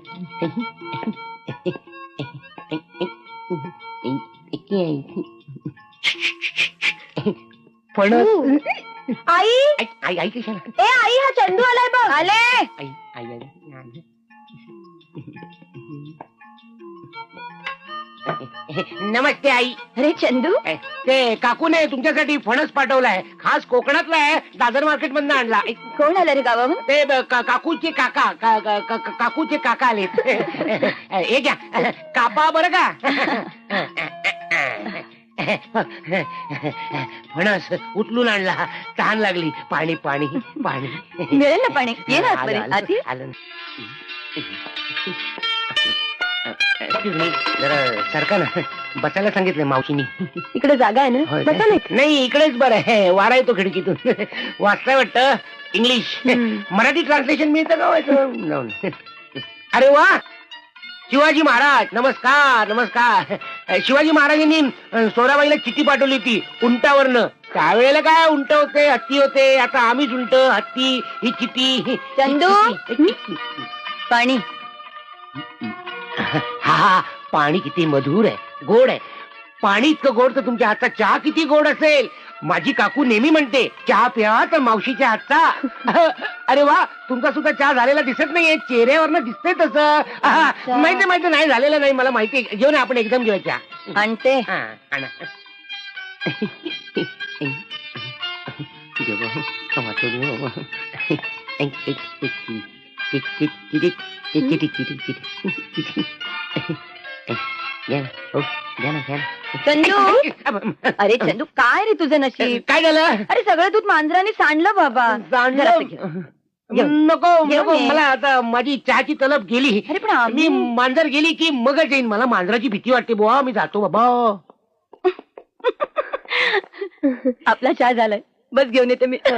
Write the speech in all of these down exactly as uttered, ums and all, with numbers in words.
फणस. आई आई आई कशाला? ए आई हा चंदू आलाय बघ. आले. आई आई आई नमस्ते आई. अरे चंदू ते काकूने तुमच्यासाठी फणस पाठवलाय. खास कोकणातला आहे. दादर मार्केट मधून आणला. कोण आलं रे गावाहून? ते ब- का- काकूचे काका का- का- का- काकूचे काका आलेत. हे घ्या कापा बरं का. फणस उचलून आणला. तहान लागली. पाणी पाणी पाणी मिळेल ना पाणी. ये ना आलं, आलं, आधी. आलं. Excuse me, जरा सरका ना. बसायला सांगितलंय मावशीनी. इकडे जागा आहे ना. होय बसा काय? ना. नाही इकडेच बरं आहे. वारा येतो खिडकीतून. वाचताय वाटतं इंग्लिश. मराठी ट्रान्सलेशन मिळतं का व्हायचं? जाऊन. अरे वा शिवाजी महाराज नमस्कार नमस्कार. शिवाजी महाराजांनी सोराबाईला चिठ्ठी पाठवली होती उंटावरनं. त्यावेळेला काय उंट होते हत्ती होते. आता आम्हीच उंट हत्ती. ही चिठ्ठी. चंदू पाणी. हा हा पाणी किती मधुर आहे गोड आहे. पाणी इतकं गोड तर तुमच्या हातचा चहा किती गोड असेल. माझी काकू नेहमी म्हणते चहा प्या तर मावशीच्या हातचा. अरे वा तुमचा सुद्धा चहा झालेला दिसत नाहीये. चेहऱ्यावरनं दिसतंय तसं. माहिती माहिती नाही झालेलं नाही मला माहिती. घेऊन आपण एकदम घेऊया चहा. आणते. हा आणा. चंदू अरे चंदू काय रे तुझं नशीब. काय झालं? अरे सगळं दूध मांजराने सांडलं बाबा. सांडलं? जरा घे. घेऊन. नको घेऊन नको ये. मला आता माझी चहाची तलब गेली. अरे पण आम्ही- मी मांजर गेली की मगच येईन. मला मांजराची भीती वाटते बुवा. मी जातो बाबा. आपला चहा झालाय. बस घेऊन येते मी.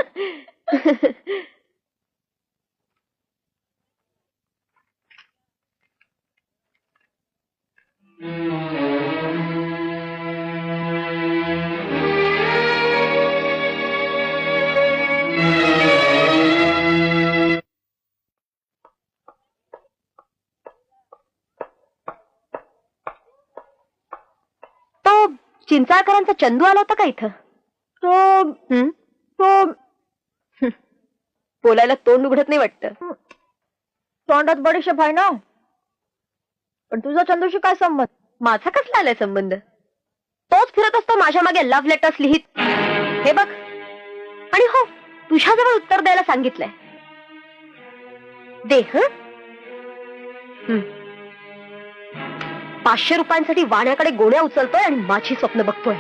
तो चिंचाळकरांचा चंदू आला होता का इथं? तो हं? तो हं. बोलायला तोंड उघडत नाही वाटतं. तोंडात बडीशेप आहे ना. पण तुझा चंदूशी काय संबंध? माझा कसला आलाय संबंध? तोच फिरत असतो माझ्या मागे लव्ह लेटर्स लिहित. हे बघ. आणि हो तुझ्याजवळ उत्तर द्यायला सांगितलंय. दे हं? हं. पाचशे रुपयांसाठी वाण्याकडे गोण्या उचलतोय आणि माझी स्वप्न बघतोय.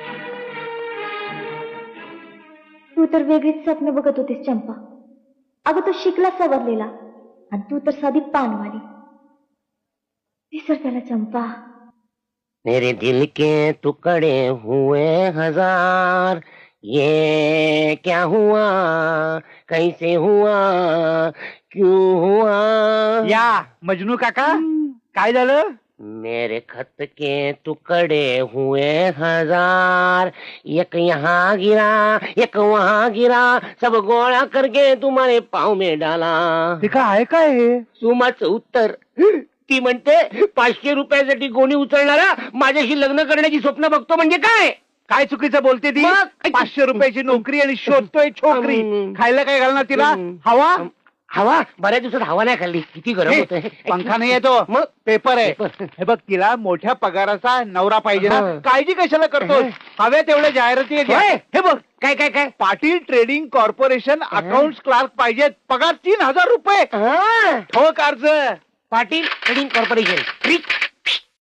तू तर वेगळीच स्वप्न बघत होतीस चंपा. अगं तो शिकला सवरलेला आणि तू तर साधी पानवाली. विसर त्याला चंपा. मेरे दिल के टुकड़े हुए हजार. ये क्या हुआ कैसे हुआ क्यों हुआ. या मजनू काका काय झालं? मेरे खत के टुकड़े हुए हजार. एक यहाँ गिरा एक वहाँ गिरा. सब गोळा करके तुम्हारे पाँव में डाला. ते काय आहे काय हे? सुमाचं उत्तर. ती म्हणते पाचशे रुपयासाठी गोणी उचलणारा माझ्याशी लग्न करण्याची स्वप्न बघतो म्हणजे काय. काय चुकीचं बोलते ती? मग? पाचशे रुपयाची नोकरी आणि शोधतोय छोकरी. हम्म. खायला काय घालणार तिला? हम्म. हवा? हवा बऱ्याच दिवसात हवा नाही खाल्ली. किती गरम होत पंखा नाही येतो मग पेपर आहे. पेपर. हे बघ तिला मोठ्या पगाराचा नवरा पाहिजे ना. हा. काळजी कशाला करतो? हव्या तेवढ्या जाहिराती आहेत. होय. हे बघ काय काय काय Patil trading corporation account clerk पाहिजेत. पगार तीन हजार रुपये. हा. ठोक अर्ज. Patil trading corporation.